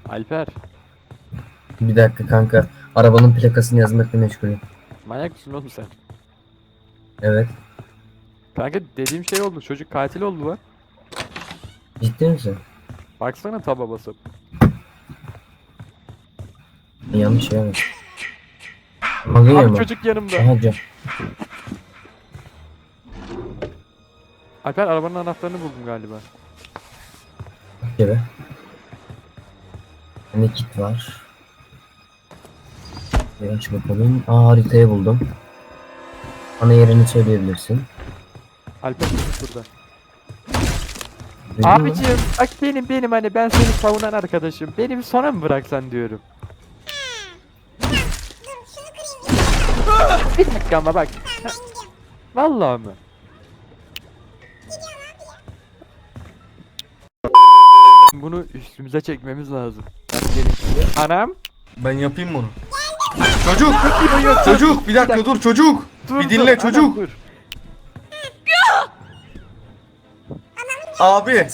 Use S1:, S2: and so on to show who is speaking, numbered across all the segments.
S1: Alper.
S2: Bir dakika kanka. Arabanın plakasını yazmakla meşgulüm.
S1: Manyak mısın oğlum sen?
S2: Evet.
S1: Kanka dediğim şey oldu. Çocuk katil oldu lan.
S2: Ciddi misin?
S1: Baksana taba basıp.
S2: Yanlış şey yapmış. Alıyor
S1: Abi
S2: mu?
S1: çocuk yanımda.
S2: Aha cam.
S1: Alper arabanın anahtarını buldum galiba.
S2: Gibi. Ne kit var? Bir aç bakalım. Haritayı buldum. Bana yerini söyleyebilirsin.
S1: Alper çocuk burada.
S2: Duydun mu?
S1: Abicim bak benim hani ben seni savunan arkadaşım. Beni bir sona mı bıraksan diyorum. Bir dakika ama bak. Vallahi mı? Bunu üstümüze çekmemiz lazım. Gelin şimdi. Anam.
S3: Ben yapayım bunu. Çocuk! Çocuk! Bir dakika dur çocuk! Bir dinle
S1: Anam,
S3: çocuk!
S1: dur.
S3: Abi!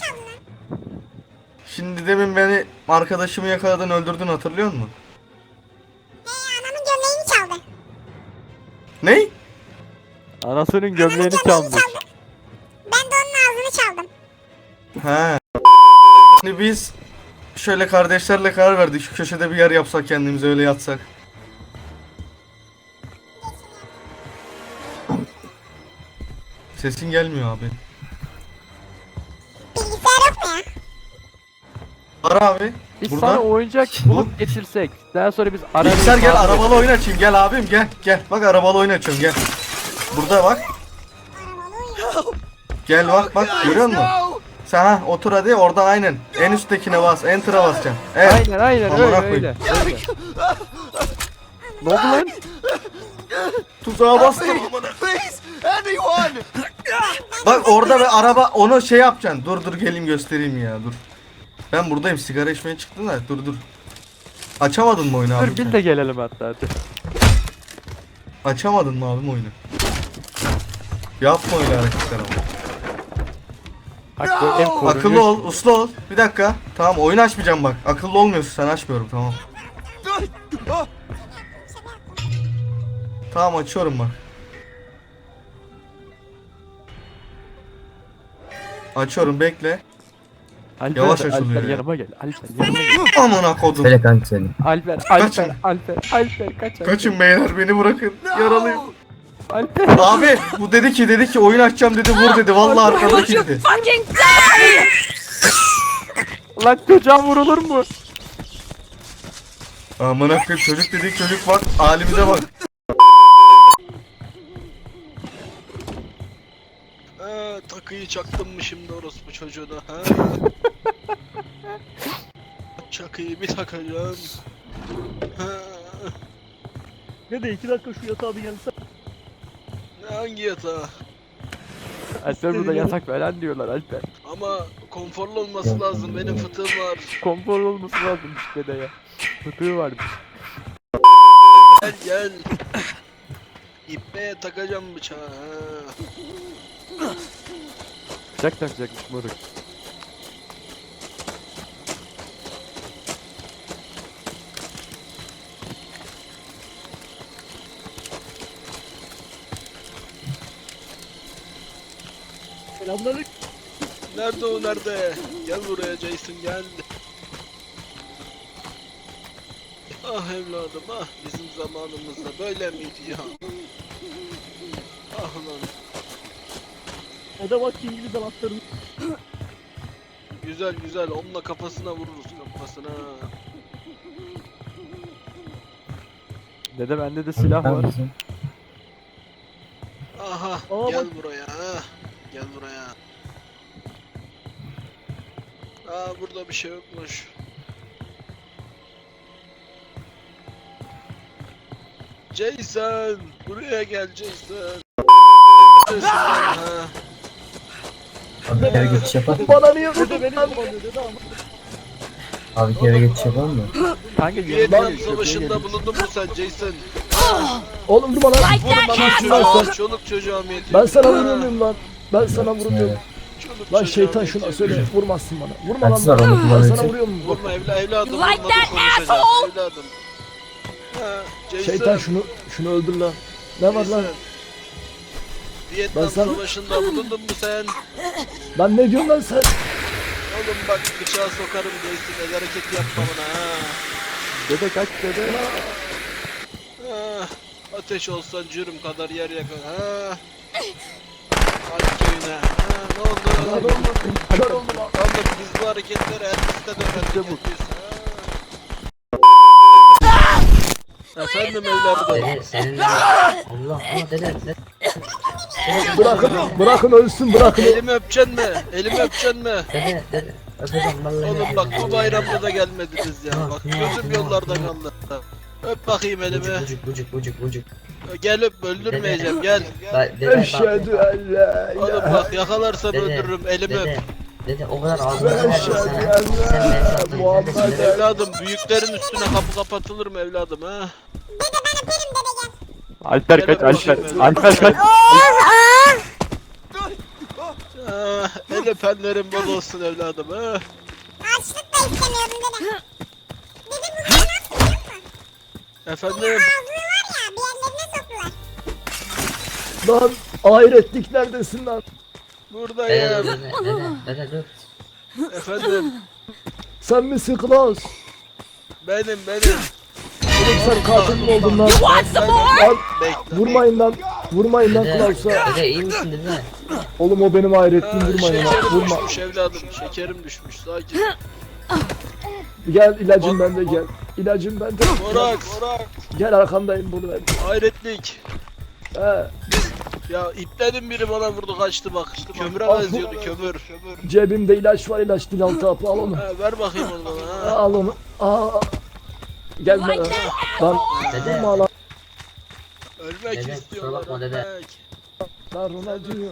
S3: Şimdi demin beni arkadaşımı yakaladın öldürdün hatırlıyor musun?
S4: Anamın gömleğini çaldı.
S3: Ney?
S1: Anasının gömleğini çalmış.
S4: Ben de onun ağzını çaldım.
S3: He. Şimdi biz şöyle kardeşlerle karar verdik. Şu köşede bir yer yapsak kendimize öyle yatsak. Sesin gelmiyor abi.
S4: Bilgisayar yok mu ya?
S3: Ara abi.
S1: Biz
S3: Buradan.
S1: sana oyuncak bulup getirsek. Daha sonra biz ararız.
S3: Bilgisayar gel
S1: abi.
S3: arabalı oyun açayım gel abim gel gel. Bak arabalı oyun açıyorum gel. Burada bak. Gel bak görüyor musun? Sen ha otur hadi oradan aynen. En üsttekine bas enter'a basacaksın. Evet.
S1: Aynen
S3: Amına
S1: öyle
S3: koyayım.
S1: öyle. Ne oldu lan?
S3: Tuzağa bastım amına. Bak orada bir araba onu şey yapacaksın. Dur geleyim göstereyim ya dur. Ben buradayım sigara içmeye çıktım da dur. Açamadın mı oyunu abi?
S1: Dur biz de gelelim hatta hadi.
S3: Açamadın mı abim oyunu? Yapma öyle hareketler ama.
S1: Bak bu ev korunuyor.
S3: Akıllı ol, uslu ol. Bir dakika. Tamam oyun açmayacağım bak. Akıllı olmuyorsun sen açmıyorum tamam. Tamam açıyorum bak. Açıyorum bekle.
S1: Alper,
S3: Yavaş
S1: Alper
S3: açılıyor ya.
S1: yanıma gel. Alper yanıma gel.
S3: Amına kodum.
S2: Söyle kanka söyle.
S1: Alper
S3: Kaçın.
S1: Alper kaç.
S3: Kaçın beyler beni bırakın. Yaralıyım.
S1: Alper.
S3: Abi bu dedi ki oyun açacağım dedi vur dedi. Vallahi arkadaki dedi.
S1: Lan çocuğa vurulur mu?
S3: Amına koyayım çocuk dedik çocuk bak halimize bak.
S5: Takıyı çaktım mı şimdi orospu çocuğuna ha? Çakıyı bir takacağım. Ha,
S6: Ne de 2 dakika şu yatağa bir gelse.
S5: hangi yatağa?
S1: Alper burada yasak falan diyorlar Alper.
S5: Ama konforlu olması lazım benim fıtığım var.
S1: Konfor olması lazım işte de ya. Fıtığı varmış.
S5: Gel. İpneye takacağım bıçağı ha.
S1: Bıçak takacakmış moruk.
S6: Selamünaleyküm.
S5: Nerede o nerede? Gel buraya Jason gel. Ah evladım ah bizim zamanımızda böyle miydi ya? Ah lan.
S6: O da bak İngiliz anahtarını.
S5: Güzel onunla kafasına vururuz kafasına.
S1: Dede bende de silah var.
S5: Aha
S6: Aa,
S5: gel
S6: bak.
S5: buraya ha. Gel buraya. Aa burada bir şey yokmuş. Jason buraya gel Jason. Jason ha.
S2: Abi bir kere geçiş yapalım mı?
S6: Bana niye vurdu beni kullanıyor dedi ama.
S2: Abi bir kere geçiş yapalım mı?
S1: Kanka yanıma
S5: Vietnam
S1: gel, köprüye
S5: savaşında
S1: gel.
S5: bulundun mu sen Jason?
S6: Oğlum vurma lan.
S5: Vurma lan
S6: Lan sen.
S5: çoluk çocuğa mı yetiyor?
S6: Ben sana vurmuyor muyum lan? Ben sana vurmuyorum.
S2: Evet.
S5: Çoluk Çocuk
S6: Lan şeytan
S5: çocuğa
S6: şuna
S5: benziyor.
S6: söyle vurmazsın bana. Vurma lan
S2: Kaçsız var
S6: bana.
S2: onu
S6: Ben sana
S2: kullanıyor.
S6: vuruyor mu?
S5: Vurma evladım.
S7: You like
S5: vurma da
S7: that,
S5: konuşacağız.
S7: asshole?
S5: Evladım. Ha, Jason.
S6: Şeytan şunu öldür lan. Ne var lan?
S5: Jason. Vietnam
S6: Ben sana-
S5: Savaşı'nda bulundun mu sen?
S6: Lan ne diyorsun lan sen?
S5: Oğlum bak bıçağı sokarım Jason. El hareketi yapma bana ha.
S1: Dede kaç dede.
S5: Ha, ateş olsan cürüm kadar yer yakın. Ha. Hadi köyüne. Ha, ne oldu?
S6: Kör oldum lan.
S5: Oğlum biz bu hareketleri Elbis'te de öğrendik. Efendim evladım.
S2: Dede senin Allah Allah dede.
S6: Bırakın ölsün bırakın.
S5: Elimi öpeceksin mi? Elimi öpeceksin mi?
S2: Dede öpeceğim vallahi.
S5: Oğlum bak bu bayramda da gelmediniz ya. Bak gözüm yollarda kaldı. Öp bakayım elimi.
S2: Bucuk.
S5: Gel öp öldürmeyeceğim gel.
S6: Eşhedü en la
S5: Oğlum
S6: ilahe.
S5: bak yakalarsam öldürürüm elimi öp.
S2: Dede o kadar ağzına
S6: Ben
S2: verdim
S6: eşhedü
S2: sana.
S6: en
S2: Sen beni
S6: la
S2: sattın.
S6: Muhammed.
S5: Evladım büyüklerin üstüne kapı kapatılır mı evladım ha?
S4: Dede ben öperim dede gel.
S1: Alper kaç Alper.
S5: Gel,
S1: Alper kaç.
S5: Ah, el öpenlerin bol olsun evladım ha.
S4: Açlık da istemiyordum dede. Dede bunlar ne yaptı biliyor musun?
S5: Efendim
S4: Ağzını var ya bir yerlerine soktular.
S6: Lan ahiretlik neredesin lan?
S5: buradayım.
S2: Dede dur.
S5: Efendim
S6: Sen misin Klaus?
S5: benim.
S6: Oğlum sen katil mi oldun lan?
S7: Want some more?
S6: Lan
S5: Bekle.
S6: vurmayın lan. Vurmayın lan
S2: Dede,
S6: Klaus'a.
S2: dede iyi misin dede?
S6: Oğlum o benim ahiretliğim
S5: Ha,
S6: vurmayın lan.
S5: şekerim
S6: Vurma.
S5: düşmüş evladım. Şekerim düşmüş. Sakin.
S6: Gel ilacım bende gel. İlacım bende.
S5: Morak.
S6: Gel arkandayım burada.
S5: Hayretlik.
S6: He.
S5: Ya iplerin biri bana vurdu kaçtı bak. Kömüre
S6: Al.
S5: benziyordu kömür.
S6: Cebimde ilaç var ilaç dil altı hapı al onu.
S5: Ha, ver bakayım onu bana ha.
S6: Al onu. Aa. Gel bana. Lan
S2: Dede.
S6: vurma lan.
S5: Ölmek
S2: Dede, kusura
S5: istiyorlar.
S2: bakma dede.
S5: Ölmek.
S6: Lan Ronaldinho.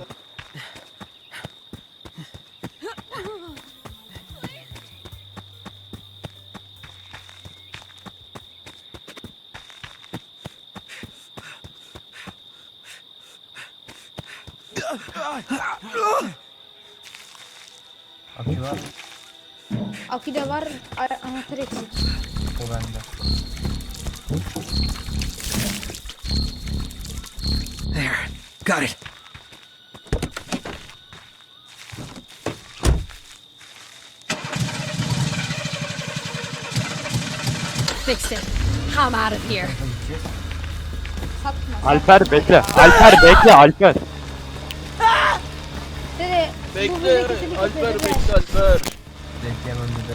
S2: Akü var.
S8: Akü de var, anahtar eksik.
S2: O bende.
S9: Got it.
S7: Fix it. I'm out of here.
S8: Satma.
S1: Alper bekle. Alper bekle Alper.
S8: Dede, bu
S5: Bekle.
S8: kötülük
S5: Alper
S8: yapıyor, dede.
S5: bekle Alper.
S2: Bekleyemem dede.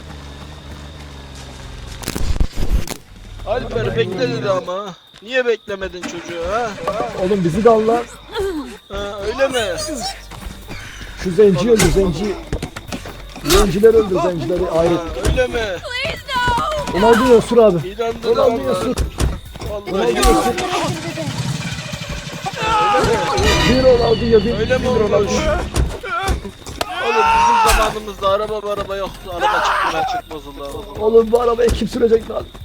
S5: Alper bekle dedi ama. Niye beklemedin çocuğu ha?
S6: Oğlum bizi de al lan.
S5: Ha öyle mi?
S6: Şu zenci öldür zenci. Zenciler öldür zencileri
S5: Ha,
S6: ahiret.
S5: öyle mi?
S7: Please no!
S6: Ronaldinho sür abi.
S5: İnandın
S6: Ronaldinho
S5: ama.
S6: sür.
S5: Vallahi
S6: Ronaldinho
S5: ya.
S6: sür. Bir Ronaldinho bir
S5: Öyle mi
S6: bir
S5: olmuş?
S6: Ronaldinho.
S5: Oğlum bizim zamanımızda araba yoktu. Araba çıktı çıkmaz Allah.
S6: Oğlum bu arabayı kim sürecek lan?